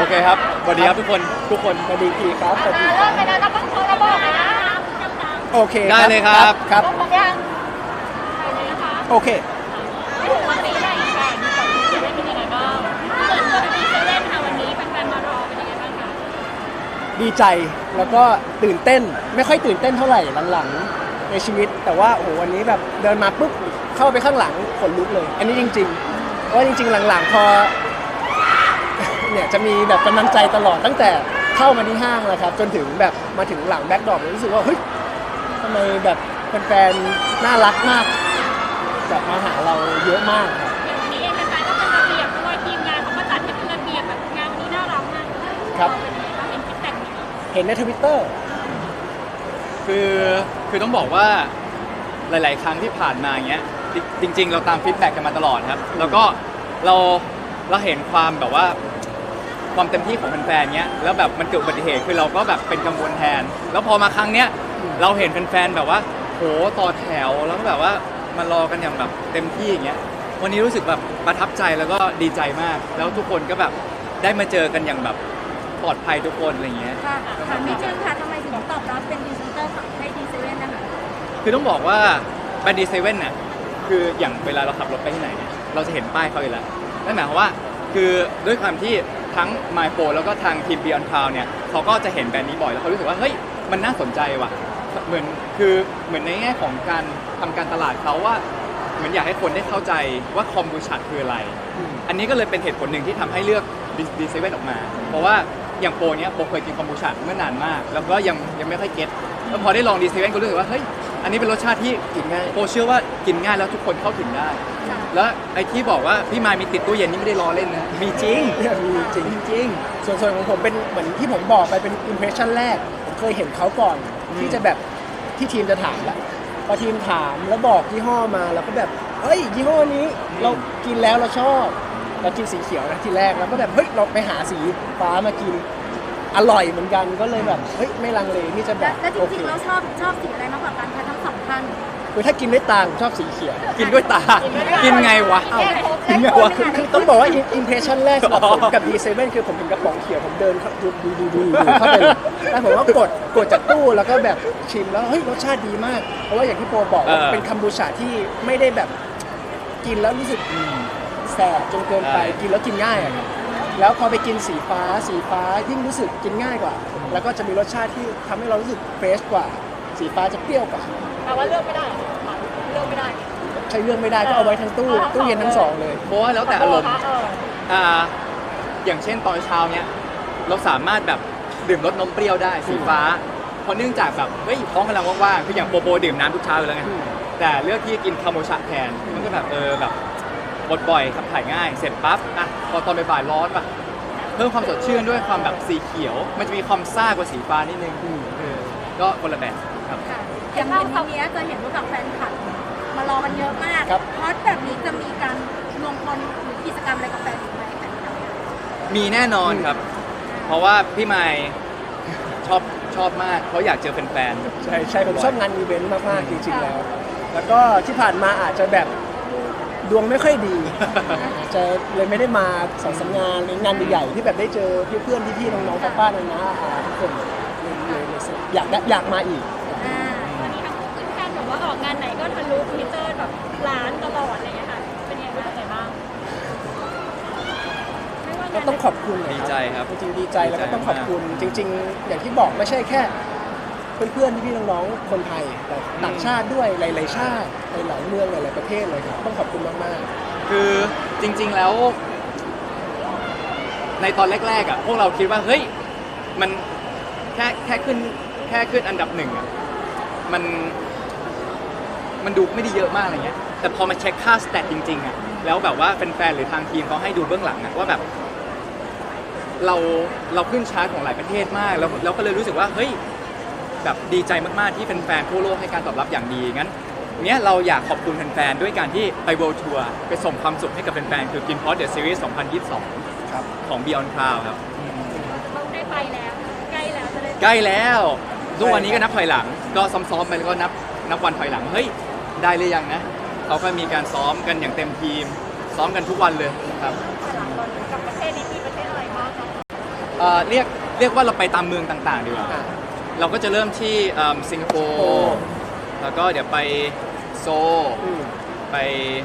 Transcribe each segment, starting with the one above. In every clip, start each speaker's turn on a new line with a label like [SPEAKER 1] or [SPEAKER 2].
[SPEAKER 1] เคครับสวัสดีครับทุกคน
[SPEAKER 2] สวัสดีทีครับสวัสดีค
[SPEAKER 3] เริ่
[SPEAKER 2] รับ
[SPEAKER 3] มไปแล้วเราต้องโทรระบอกเลยนะ
[SPEAKER 2] โอเค
[SPEAKER 1] ได้เลยครับ
[SPEAKER 2] ครับ
[SPEAKER 3] ผมยังไปเลยนะคะ
[SPEAKER 2] โอเค
[SPEAKER 3] ไม่ถึงวันนี้ได้อีกค่ะมีก่อนที่จะได้เป็นยังไงบ้างเกิดตัวดีเซเว่นค่ะวันนี้แฟนๆมารอเป็นยังไงบ้างคะ
[SPEAKER 2] ดีใจแล้วก็ตื่นเต้นไม่ค่อยตื่นเต้นเท่าไหร่หลังๆในชีวิต แต่ว่าโอ้โหวันนี้แบบเดินมาปุ๊บเข้าไปข้างหลังขนลุกเลย อันนี้จริงๆเพราะว่าจริงๆหลังๆพอเนี่ยจะมีแบบกำลังใจตลอดตั้งแต่เข้ามาที่ห้างแล้วครับจนถึงแบบมาถึงหลังแบ็คดรอปรู้สึกว่าเฮ้ยทำไมแบบแฟนๆน่ารักมากแบบมาหาเราเยอะมากครับ
[SPEAKER 3] อย่างวันนี้เองแฟนๆก็เป็นระเบียบด้วยทีมงานเขาก็จัดให้เป็นระเบียบแบบงานวันนี้น่ารักมากเลย
[SPEAKER 2] ครับ
[SPEAKER 3] เป็นยังไงบ้างเห็นฟีดแบ็กไหมคะ
[SPEAKER 2] เห็นใน Twitter
[SPEAKER 1] คือต้องบอกว่าหลายๆครั้งที่ผ่านมาอย่างเงี้ยจริงๆเราตามฟีดแบ็กกันมาตลอดครับแล้วก็เราเห็นความแบบว่าความเต็มที่ของแฟนๆเงี้ยแล้วแบบมันเกิดอุบัติเหตุคือเราก็แบบเป็นกังวลแทน แล้วพอมาครั้งเนี้ยเราเห็นแฟนๆแบบว่าโหต่อแถวแล้วก็แบบว่ามารอกันอย่างแบบเต็มที่อย่างเงี้ยวันนี้รู้สึกแบบประทับใจแล้วก็ดีใจมาก แล้วทุกคนก็แบบได้มาเจอกันอย่างแบบปลอดภัยทุกคนอะไรเงี้ย
[SPEAKER 4] ค่ะถามนิดนึงค่ะทำไมถึงตอบรับเป็นพรีเซนเตอร์ของให้ดีเซเว่นนะคะ
[SPEAKER 1] คือต้องบอกว่าแบรนด์ดีเซเว่นน่ะคืออย่างเวลาเราขับรถไปที่ไหนเนี่ยเราจะเห็นป้ายเขาอยู่แล้วนั่นหมายความว่าคือด้วยความที่ทั้ง My Pro แล้วก็ทางทีม Beyond Cloud เนี่ยเขาก็จะเห็นแบรนด์นี้บ่อยแล้วเขารู้สึกว่าเฮ้ยมันน่าสนใจว่ะเหมือนในแง่ของการทำการตลาดเขาว่าเหมือนอยากให้คนได้เข้าใจว่าคอมบูชาคืออะไร อันนี้ก็เลยเป็นเหตุผลหนึ่งที่ทำให้เลือกดีเซเว่นออกมา เพราะว่าอย่างโปรเนี้ยโปรเคยกินคอมบูชาเมื่อนานมาก แล้วก็ยังไม่ค่อยเก็ตแล้วพอได้ลองดีเซเว่นก็รู้สึกว่าเฮ้ยอันนี้เป็นรสชาติที่
[SPEAKER 2] กินง่าย
[SPEAKER 1] โปรเชื่อว่ากินง่ายแล้วทุกคนเข้าถึงได้ แล้วไอ้ที่บอกว่าพี่มายมีติดตู้เย็นนี่ไม่ได้ล้อเล่นนะมีจริง
[SPEAKER 2] เนี่ยมีจริง
[SPEAKER 1] จริง
[SPEAKER 2] ส่วนของผมเป็นเหมือนที่ผมบอกไปเป็นอิมเพรสชั่นแรกผมเคยเห็นเขาก่อน ที่จะแบบที่ทีมจะถามแล้วพอทีมถามแล้วบอกยี่ห้อมาเราก็แบบเฮ้ยยี่ห้อนี้เรากินแล้วเราชอบเรากินสีเขียวนะทีแรกแล้วก็แบบเฮ้ยเราไปหาสีฟ้ามากินอร่อยเหมือนกันก็เลยแบบเฮ้ยไม่ลังเลที่จะแบบ
[SPEAKER 4] แล้วจ
[SPEAKER 2] โอเค
[SPEAKER 4] ริงๆเราชอบสีอะไรมากกว่ากันคะทั้งสองท่าน
[SPEAKER 2] คือถ้ากินด้วยตาผมชอบสีเขียว
[SPEAKER 1] กินด้วยตา กินไงวะ
[SPEAKER 2] เอ้า
[SPEAKER 1] กินไงวะ
[SPEAKER 2] คือต้องบอกว่าอิมเพรสชั่นแรกสำหรับผมกับ D7 คือผมเห็นกระป๋องเขียวผมเดินเข้าดูเข้าไปเลยแล้วผมว่ากดจากตู้แล้วก็แบบชิมแล้วเฮ้ยรสชาติดีมาก เพราะว่าอย่างที่โปรบอกว่าเป็นคัมบูชาที่ไม่ได้แบบกินแล้วรู้สึกแสบจนเกินไปกินแล้วกินง่ายอะครับแล้วพอไปกินสีฟ้ายิ่งรู้สึกกินง่ายกว่า แล้วก็จะมีรสชาติที่ทำให้เรารู้สึกเฟรชกว่า สีฟ้าจะเปรี้ยวกว่า
[SPEAKER 3] แต่ว่าเลือกไม่ได้เลือกไม่ได้
[SPEAKER 2] ใช้เรื่องไม่ได้ก็เอาไว้ทั้งตู้เย็นทั้งสองเลย
[SPEAKER 1] เพราะว่าแล้วแต่อารมณ์
[SPEAKER 3] เออ
[SPEAKER 1] อย่างเช่นตอนเช้าเนี้ยเราสามารถแบบดื่มรสนมเปรี้ยวได้สีฟ้าเพราะเนื่องจากแบบเฮ้ยท้องกำลังว่างๆคืออย่างโปดื่มน้ำทุกเช้าอยู่แล้วไงแต่เลือกที่จะกินคาโมชาแทนมันก็แบบแบบบดบ่อยขับถ่ายง่ายเสร็จปั๊บอ่ะพอตอนบ่ายๆร้อนป่ะเพิ่มความสดชื่นด้วยความแบบสีเขียว มันจะมีความซ่ากว่าสีฟ้านิดนึงก็คนละแบบครับ
[SPEAKER 4] ค่ะอย่างวันนี้จะเห็นว่ากับแฟนคลับมารอกันเยอะมาก
[SPEAKER 2] ครับ
[SPEAKER 4] เพราะแบบนี้จะมีการรวมพลหรือกิจกรรมอะไรกับแฟนอีกไหมแฟนคลับ
[SPEAKER 1] มีแน่นอนครับ เพราะว่าพี่ไมค์ชอบมากเพราะอยากเจอแฟนๆ
[SPEAKER 2] ใช่ผมชอบงานอีเวนต์มากๆจริงๆแล้ว แล้วก็ที่ผ่านมาอาจจะแบบดวงไม่ค่อยดี อาจจะเลยไม่ได้มาสองสามงานหรืองานใหญ่ๆที่แบบได้เจอเพื่อนๆพี่ๆน้องๆป้าๆน้าๆทุกคนเลยอยากมาอีก
[SPEAKER 4] อ่า
[SPEAKER 3] วันนี้ทั้งคู่ขึ้นแท่นแบบว่าออกงานไหนก็ทะลุทวิตเตอร์แบบล้านตลอดอะไรอย่างเงี้ยค่ะเป็นยังไงบ้างไม่ว่างานไหน
[SPEAKER 2] ก็ต้องขอบคุณนะ
[SPEAKER 1] ดีใจครับ
[SPEAKER 2] จริงๆดีใจแล้วก็ต้องขอบคุณจริง ๆ อย่างที่บอกไม่ใช่แค่เพื่อนๆพี่ๆน้องๆคนไทยแต่ต่างชาติด้วยหลายๆชาติหลายๆเมืองหลายๆประเทศเลยครับต้องขอบคุณมากๆ
[SPEAKER 1] คือจริงๆแล้ว ในตอนแรกๆอ่ะพวกเราคิดว่าเฮ้ยมันแค่ขึ้นอันดับหนึ่งอ่ะมันดูไม่ได้เยอะมากอะไรเงี้ยแต่พอมาเช็คค่าสแตทจริงๆอ่ะแล้วแบบว่าแฟนๆหรือทางทีมเขาให้ดูเบื้องหลังอ่ะว่าแบบเราขึ้นชาร์ตของหลายประเทศมากแล้วเราก็เลยรู้สึกว่าเฮ้ยแบบดีใจมากๆที่แฟนๆทั่วโลกให้การตอบรับอย่างดีงั้นเนี้ยเราอยากขอบคุณแฟนๆด้วยการที่ไป World Tour ไปส่งความสุขให้กับแฟนๆคือ กินพอดเดอะซีรีส์ 2022
[SPEAKER 2] ครับ
[SPEAKER 1] ของ Beyond Cloud ครับ
[SPEAKER 3] เราได้ไปแล้วใกล้แล้วจะได้
[SPEAKER 1] ใกล้แล้วทุกวันนี้ก็นับถอยหลัง ก็ซ้อมๆไปแล้วก็นับวันถอยหลังเฮ้ยได้หรือยังนะเขาก็มีการซ้อมกันอย่างเต็มทีม ซ้อมกันทุกวันเลยครับ
[SPEAKER 3] กับประเทศนี้มีประเทศอะไรบ้างคะ
[SPEAKER 1] เรียกว่าเราไปตามเมืองต่างๆดีกว่า
[SPEAKER 2] อ่ะ
[SPEAKER 1] เราก็จะเริ่มที่สิงคโป
[SPEAKER 2] โอ้
[SPEAKER 1] ร์แล้วก็เดี๋ยวไปโซล
[SPEAKER 2] อืม
[SPEAKER 1] ไป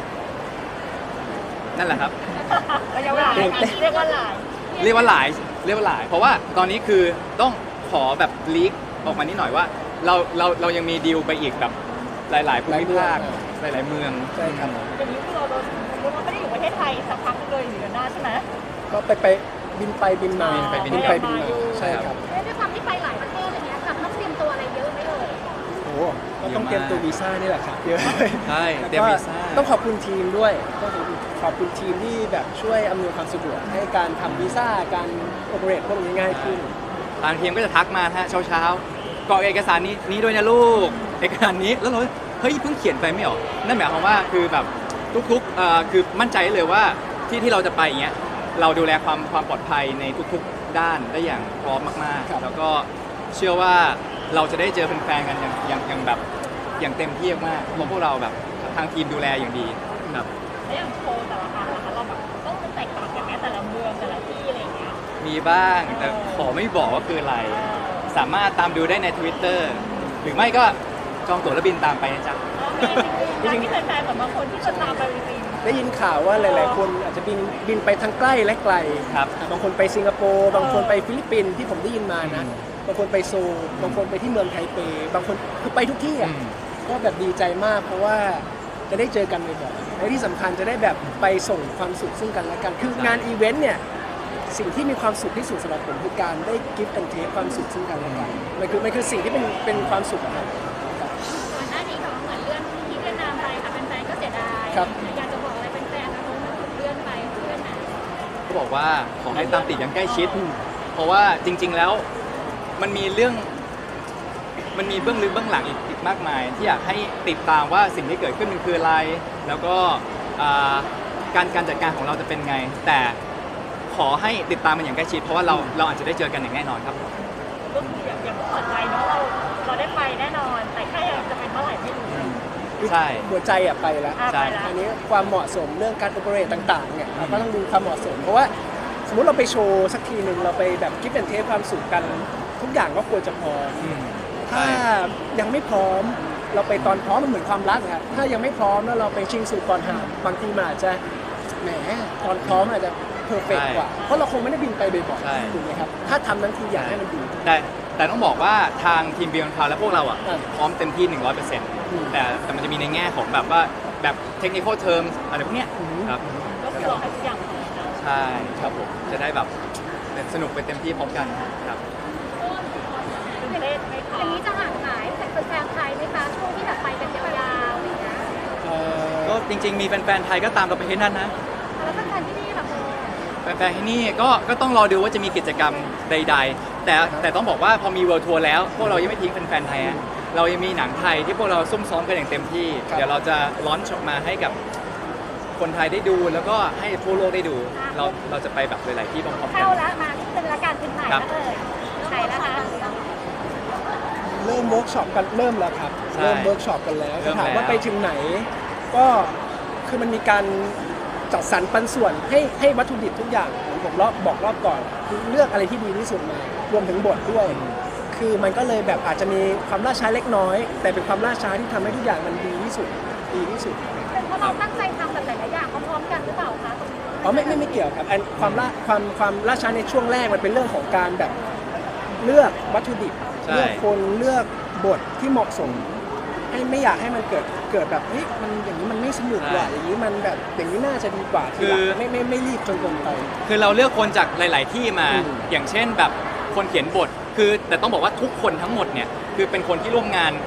[SPEAKER 1] นั่นแหละครับ
[SPEAKER 3] ระยะเวลาเรียกว่าหลาย
[SPEAKER 1] เรียกว่าหลาย เพราะว่าตอนนี้คือต้องขอแบบลีกออกมานิดหน่อยว่าเรายังมีดีลไปอีกแบบหลายๆภูมิภาคหลายๆเมือง
[SPEAKER 2] ใช่ครับ
[SPEAKER 3] อย่างนี้คือเราไม่ได้อยู่ประเทศไทยสักพักเลยอยู่กันหน้าใช่ไหม
[SPEAKER 2] ก็ไปบินไปบินมา
[SPEAKER 1] บินไปบินมา
[SPEAKER 2] ใช่ครับ
[SPEAKER 4] ด้วยความที่ไปหลายประเทศอะไรเงี้ยกับต้องเตรียมตัวอะไรเยอะไหมเอ่ย
[SPEAKER 2] โอ้ก็ต้องเตรียมตัววีซ่านี่แหละครับเยอะ
[SPEAKER 1] ใช่
[SPEAKER 2] แล้ว
[SPEAKER 1] เตรียม
[SPEAKER 2] ก็
[SPEAKER 1] วีซ่า
[SPEAKER 2] ต้องขอบคุณทีมด้วยต้องขอบคุณทีมที่แบบช่วยอำนวยความสะดวกให้การทำวีซ่าการโอเปเรตพวกนี้ง่ายขึ้น
[SPEAKER 1] ทางทีมก็จะทักมาฮะเช้ากรอกเอกสารนี้ด้วยนะลูกเอกสารนี้แล้วเราเฮ้ยเพิ่งเขียนไปไม่ออกนั่นหมายความว่าคือแบบทุกๆคือมั่นใจได้เลยว่าที่เราจะไปอย่างเงี้ยเราดูแลความปลอดภัยในทุกๆด้านได้อย่างพร้อมมาก
[SPEAKER 2] ครับ
[SPEAKER 1] ๆแล้วก็เชื่อว่าเราจะได้เจอแฟนๆกันอย่างแบบอย่างเต็มที่มากๆเพราะพวกเราแบบทางทีมดูแลอย่างดีครับ
[SPEAKER 3] แล้วอย่างโชว์แต่ละครั้งนะคะเราแบบต้องมันแตกต่างกันไหมแต่ละเมืองแต่ละที่อะไรอย่างเงี้ย
[SPEAKER 1] มีบ้างแต่ขอไม่บอกว่าคืออะไร สามารถตามดูได้ใน Twitter หรือไม่ก็จองตั๋วแล้วบินตามไปนะจ๊ะ
[SPEAKER 3] จริงๆที่แฟนๆแบบบางคนที่จะตามไปจริง
[SPEAKER 2] ได้ยินข่าวว่าหลาย ๆ คนอาจจะบินไปทั้งใกล้และไกล
[SPEAKER 1] ครับ
[SPEAKER 2] บางคนไปสิงคโปร์บางคนไปฟิลิปปินส์ที่ผมได้ยินมานะบางคนไปโซลบางคนไปที่เมืองไทเปบางคนคือไปทุกที่อ่ะ ก็แบบดีใจมากเพราะว่าจะได้เจอกันบ่อยๆและที่สำคัญจะได้แบบไปส่งความสุขซึ่งกันและกัน คืองานอีเวนต์เนี่ยสิ่งที่มีความสุขที่สุดสำหรับผมคือการได้กิฟต์กันเทคความสุขซึ่งกันและกันมันคือสิ่งที่เป็นความสุขอะครับ
[SPEAKER 4] ก่อนหน้านี้เขาเหมือนเลื่อนที่เวียดนามไปค่ะแฟนๆก็เสียดาย
[SPEAKER 2] ครับ
[SPEAKER 4] อยากจะบอกอะไรแฟนๆนะเพราะมันถูกเลื่อนไปเลื่อนนะ
[SPEAKER 1] ก็บอกว่าขอให้ตามติดอย่างใกล้ชิด เพราะว่าจริง ๆ แล้วมันมีเบื้องลึกเบื้องหลังอีกมากมาย ที่อยากให้ติดตามว่าสิ่งที่เกิดขึ้นมันคืออะไร แล้วก็การจัดการของเราจะเป็นไง แต่ขอให้ติดตามมันอย่างใกล้ชิด เพราะว่าเราอาจจะได้เจอกันอย่างแน่นอนครับ
[SPEAKER 3] ๆก็คืออย่างเปิดใจเนาะเราได้ไปแน่นอน แต่แค่จะเป็นเมื่อไหร่ไม่รู้
[SPEAKER 1] ใช่
[SPEAKER 2] หัวใจอะไปแล้ว
[SPEAKER 1] ใช่
[SPEAKER 3] ไปแล้ว
[SPEAKER 2] อันนี้ความเหมาะสมเรื่องการโอเปเรตต่างๆเนี่ยเราก็ต้องดูความเหมาะสม เพราะว่าสมมุติเราไปโชว์สักทีหนึ่งเราไปแบบกิฟต์แอนเทคความสุขกันทุกอย่างก็ควรจะพร้อม
[SPEAKER 1] อืม
[SPEAKER 2] ถ้ายังไม่พร้อมเราไปตอนพร้อมมันเหมือนความรักอะครับถ้ายังไม่พร้อมแล้วเราไปชิงสู่ก่อนห่างบางทีมันอาจจะแหมตอนพร้อมอาจจะเพอร์เฟกกว่า เพราะเราคงไม่ได้บินไปบ่อย
[SPEAKER 1] ใช่
[SPEAKER 2] ๆถูกไหมครับถ้าทำทั้งทีอยากให้มันดี
[SPEAKER 1] แต่ต้องบอกว่าทางทีม Beyond Cloud และพวกเราอ่ะ
[SPEAKER 2] อ่า
[SPEAKER 1] พร้อมเต็มที่
[SPEAKER 2] ม
[SPEAKER 1] 100%แต่มันจะมีในแง่ของแบบว่าแบบ technical terms อะไรพวกเนี้ย
[SPEAKER 2] อืม
[SPEAKER 1] ครับ
[SPEAKER 3] ก็คือรอให้ทุกอย่างพร้อมนะ
[SPEAKER 1] ใช่ครับผมจะได้แบบสนุกไปเต็มที่พร้อมกันครับ
[SPEAKER 3] ประเทศไม่พ
[SPEAKER 4] อ
[SPEAKER 3] อย่าง
[SPEAKER 4] นี้จะห่างหายจากแฟนๆไทยไหมคะช่วงที่แบบไปกันยาวๆอะไรอย่างเงี้ย
[SPEAKER 1] ก็จริงๆมีแฟนๆไทยก็ตามเราไปที่นั่นนะ
[SPEAKER 4] แล้วแฟนๆที่นี่ล่ะโม
[SPEAKER 1] แฟนๆที่นี่ก็ต้องรอดูว่าจะมีกิจกรรมใด ๆ แต่ต้องบอกว่าพอมี World Tour แล้วพวกเรายังไม่ทิ้งแฟนๆไทยอะเรายังมีหนังไทยที่พวกเราซุ่มซ้อมกันอย่างเต็มที่
[SPEAKER 2] ครับ
[SPEAKER 1] เดี๋ยวเราจะล้อนช์ออกมาให้กับคนไทยได้ดูแล้วก็ให้ทั่วโลกได้ดู เราจะไปแบบหลายๆที่พร้อมๆกั
[SPEAKER 4] เข้าน แล้วมาที่เป็นรายการเป็นไหน
[SPEAKER 1] ครับ
[SPEAKER 4] แล้วเอ่ยไหนแล้วคะ
[SPEAKER 2] เริ่มเวิร์กช็อปกันเริ่มแล้วครับ
[SPEAKER 1] ใช่
[SPEAKER 2] เริ่มเวิร์กช็อปกันแล้ว
[SPEAKER 1] เริ่ม
[SPEAKER 2] ถามว่า
[SPEAKER 1] แล้ว
[SPEAKER 2] ไปถึงไหน ก็คือมันมีการจัดสรรปันส่วนให้วัตถุดิบทุกอย่างผมบอกรอบก่อนคือเลือกอะไรที่ดีที่สุดมารวมถึงบทด้วย คือมันก็เลยแบบอาจจะมีความล่าช้าเล็กน้อย แต่เป็นความล่าช้าที่ทำให้ทุกอย่างมันดีที่สุด
[SPEAKER 4] เป็นเพราะเราตั้งใจทำแบบหลายๆอย่างพร้อมๆกันหรือเปล่าคะ
[SPEAKER 2] อ๋อไม่เกี่ยวครับอันความล่าช้าในช่วงแรกมันเป็นเรื่องของการแบบเลือกวัตถุดิบ
[SPEAKER 1] ใช่
[SPEAKER 2] เลือกคนเลือกบทที่เหมาะสม ให้ไม่อยากให้มันเกิดแบบเฮ้ยมันอย่างนี้มันไม่สนุกว่ะอย่างนี้มันแบบอย่างนี้น่าจะดีกว่าทีหลังไม่รีบจนเกินไป
[SPEAKER 1] คือเราเลือกคนจากหลาย ๆ ที่มา
[SPEAKER 2] อืม
[SPEAKER 1] อย่างเช่นแบบคนเขียนบท คือแต่ต้องบอกว่าทุกคนทั้งหมดเนี่ยคือเป็นคนที่ร่วมงาน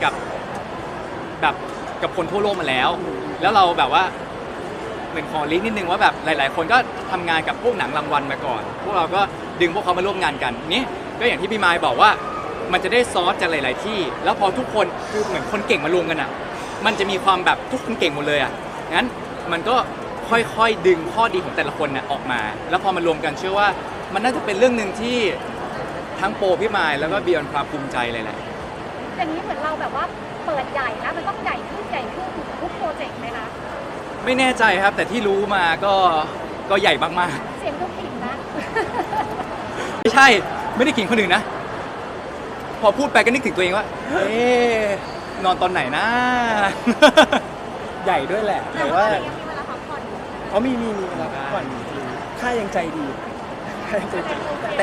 [SPEAKER 1] กับคนทั่วโลกมาแล้ว แล้วเราแบบว่าเหมือนขอลิงก์นิดนึงว่าแบบหลาย ๆ คนก็ทำงานกับพวกหนังรางวัลมาก่อน พวกเราก็ดึงพวกเขามาร่วมงานกันนี่ก็อย่างที่พี่มายบอกว่ามันจะได้ซอสจากหลาย ๆ ที่ แล้วพอทุกคนคือเหมือนคนเก่งมารวมกันอ่ะมันจะมีความแบบทุกคนเก่งหมดเลยอ่ะงั้นมันก็ค่อย ๆ ดึงข้อดีของแต่ละคนน่ะออกมา แล้วพอมารวมกันเชื่อว่ามันน่าจะเป็นเรื่องหนึ่งที่ทั้งโปรพี่มายแล้วก็เบียร์ความภูมิใจเลยแหละ
[SPEAKER 4] อย่างนี้เหมือนเราแบบว่าเปิดใหญ่นะมันต้องใหญ่ขึ้นทุกโปรเจกต์ไหมคะ
[SPEAKER 1] ไม่แน่ใจครับแต่ที่รู้มาก็ใหญ่มาก
[SPEAKER 4] เสียงทุกถิ่นนะ
[SPEAKER 1] ๆไม่ใช่ไม่ได้ขิงคนอื่นนะ พอพูดไปก็นึกถึงตัวเองว่าเอ๊ะนอนตอนไหนนะ
[SPEAKER 2] ใหญ่ด้วยแหละ แต่ว่า
[SPEAKER 4] ยังมีเวลาพักผ่อนอยู่
[SPEAKER 2] เขามีเวลาพักผ่อนจริงๆค่ายังใจดีค่ายังใจดีแต่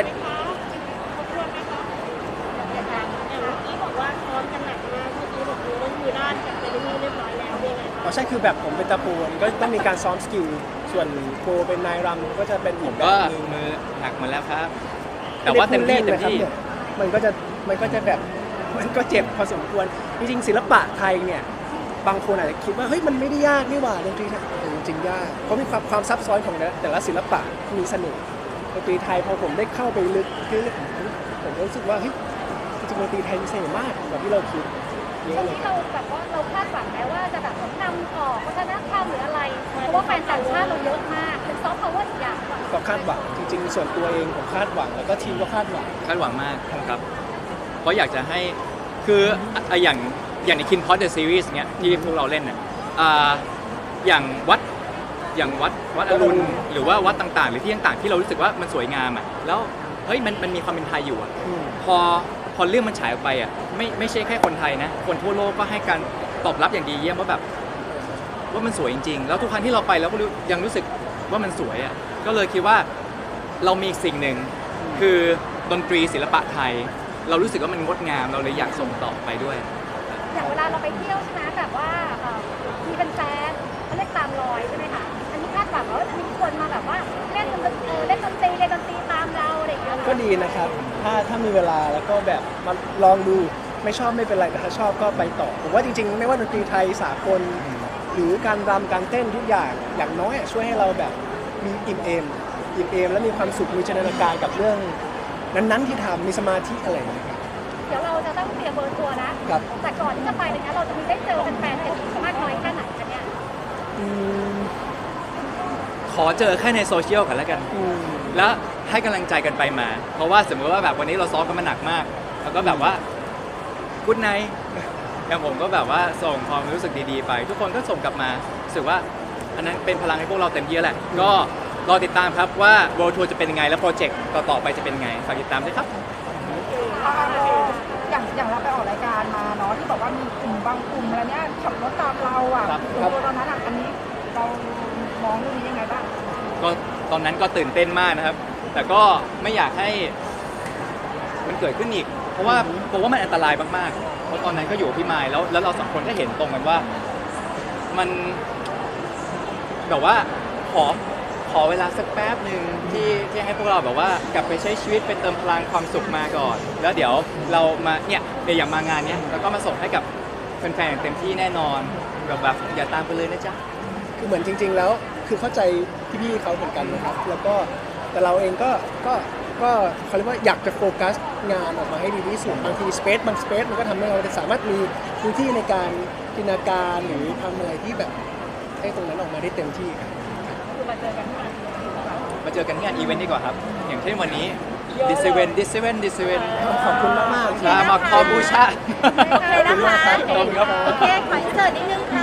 [SPEAKER 3] อย่างเมื่อกี้บอกว่าซ้อมกันหนักมากเมื่อกี้บอกว่ามือด้านกับเจนนี่เรียบร้อยแล้วยังไง
[SPEAKER 2] อ๋อใช่คือแบบผมเป็นตะปูก็ต้องมีการซ้อมสกิลส่วนโปรเป็นนายรำก็จะเป็น
[SPEAKER 1] ผ
[SPEAKER 2] อี
[SPEAKER 1] ม
[SPEAKER 2] กแบ
[SPEAKER 1] ก็
[SPEAKER 2] บนึง
[SPEAKER 1] มือหนักหมาแล้วครับ แต่ว่าเต็มที่
[SPEAKER 2] ไได้
[SPEAKER 1] เต็ม
[SPEAKER 2] พูดล่น
[SPEAKER 1] ที่
[SPEAKER 2] นะครับเนี่ยมันก็จะแบบมันก็เจ็บพอสมควรจริงๆศิลปะไทยเนี่ยบางคนอาจจะคิดว่าเฮ้ยมันไม่ได้ยากนี่หว่าดนตรีไทยแต่จริงๆยากเพราะมีความซับซ้อนของแต่ละศิลปะมีเสน่ห์ดนตรีไทยพอผมได้เข้าไปลึกผมก็รู้สึกว่าเฮ้ยจริงๆดนตรีไทยมีเสน่ห์มากกว่าที่เราคิดเย
[SPEAKER 4] ตร
[SPEAKER 2] อะ
[SPEAKER 4] ง
[SPEAKER 2] เลย
[SPEAKER 4] นี้เราแบบว่าเราคาดหวังไหมว่าจะแบบนำออกวัฒนธรรมหรืออะไร เพราะว่าแฟนต่างชาติเราเยอะมากเป็นซอฟต์พาวเวอร์อีกอย่างหนึ่ง
[SPEAKER 2] ก็คาดหวังจริงๆส่วนตัวเองผมคาดหวังแล้วก็ทีมก็คาดหวัง
[SPEAKER 1] คาดหวังมากครับ เพราะอยากจะให้คืออย่างในคินพอดเดอะซีรีส์เนี่ยที่พวกเราเล่นเนี่ยอย่างวัดอรุณหรือว่าวัดต่างๆ หรือที่ต่างๆที่เรารู้สึกว่ามันสวยงามอ่ะแล้วเฮ้ยมันมีความเป็นไทยอยู่อ่ะ
[SPEAKER 2] อืม
[SPEAKER 1] พอเรื่องมันฉายออกไปอ่ะไม่ใช่แค่คนไทยนะ คนทั่วโลกก็ให้การตอบรับอย่างดีเยี่ยมว่าแบบว่ามันสวยจริงๆ แล้วทุกครั้งที่เราไปแล้วก็ยังรู้สึกว่ามันสวยอ่ะก็เลยคิดว่าเรามีอีกสิ่งหนึ่งคือดนตรีศิลปะไทย เรารู้สึกว่ามันงดงามเราเลยอยากส่งต่อไปด้วย
[SPEAKER 4] อย่างเวลาเราไปเที่ยวใช่ไหมแบบว่ามีเป็นแฟนเขาเรียกตามรอยใช่ไหมคะอันนี้คาดหวังว่าจะมีคนมาแบบว่าเล่นดนตรีเล่นดนตรีตามเราอะไรอย่างเงี้ย
[SPEAKER 2] ก็ดีนะครับ ถ้ามีเวลาแล้วก็แบบมาลองดูไม่ชอบไม่เป็นไรแต่ถ้าชอบก็ไปต่อผมว่าจริงๆไม่ว่าดนตรีไทยสากลหรือการรำการเต้นทุกอย่างอย่างน้อยช่วยให้เราแบบมีอิ่มเอมแล้วมีความสุขมีจินตนาการกับเรื่องนั้นๆที่ทำมีสมาธิอะไรอย่างเงี้ยครับ
[SPEAKER 4] เดี๋ยวเราจะต้องเตรียมเบอร์ทัวร์นะครับ แต่ก่อนที่จะไปเนี่ยเราจะมีได้เจอแฟนๆกันอีกมากน้อยแค่ไหนกันเนี่ย
[SPEAKER 2] อืม
[SPEAKER 1] ขอเจอแค่ในโซเชียลกันแล้วกัน
[SPEAKER 2] อืม
[SPEAKER 1] แล้วให้กำลังใจกันไปมา เพราะว่าสมมติว่าแบบวันนี้เราซ้อมกันมาหนักมาก แล้วก็แบบว่ากุ๊ดไนท์อย่างผมก็แบบว่าส่งความรู้สึกดีๆไป ทุกคนก็ส่งกลับมารู้สึกว่าอันนั้นเป็นพลังให้พวกเราเต็มที่แล้วแหละ ก็รอติดตามครับว่า World Tour จะเป็นยังไง และโปรเจกต์ต่อๆไปจะเป็นยังไง ฝากติดตามด้วยครับ
[SPEAKER 5] อย่างเราไปออกรายการมาเนาะที่บอกว่ามีกลุ่มบางกลุ่มอะไรเนี้ยขับรถตามเราอ่ะ
[SPEAKER 1] ครับ
[SPEAKER 5] ตอนนั้นอ่ะอันนี้เรามองเรื่องนี้ยังไงบ้าง
[SPEAKER 1] ก็ตอนนั้นก็ตื่นเต้นมากนะครับ แต่ก็ไม่อยากให้มันเกิดขึ้นอีก เพราะว่ามันอันตรายมากๆ เพราะตอนนั้นก็อยู่กับพี่มายแล้วเราสองคนก็เห็นตรงกันว่ามันแบบว่าขอเวลาสักแป๊บหนึ่งที่ให้พวกเราแบบว่ากลับไปใช้ชีวิตไปเติมพลังความสุขมาก่อน แล้วเดี๋ยวเรามาเนี่ยเดี๋ยวอย่างมางานเนี้ยแล้วก็มาส่งให้กับแฟนๆอย่างเต็มที่แน่นอนแบบอย่าตามไปเลยนะจ๊ะ
[SPEAKER 2] คือเหมือนจริง ๆ แล้วคือเข้าใจพี่ๆเขาเหมือนกันนะครับ แล้วก็แต่เราเองก็เขาเรียกว่าอยากจะโฟกัสงานออกมาให้ดีที่สุดบางทีบางสเปซมันก็ทำให้เราสามารถมีพื้นที่ในการจินตนาการหรือทำอะไรที่แบบให้ตรงนั้นออกมาได้เต็มที่ครับ
[SPEAKER 3] คือมาเจอกันที่งาน
[SPEAKER 1] มาเจอกันที่งานอีเวนต์ดีกว่าครับ อย่างเช่นวันนี้ดิสเวน
[SPEAKER 2] ขอบคุณมากๆ
[SPEAKER 1] มาคอบูชา
[SPEAKER 4] โอเคนะคะ
[SPEAKER 1] ขอบคุณครับ
[SPEAKER 4] โอเคขออินเสิร์ตนิดนึงค่ะ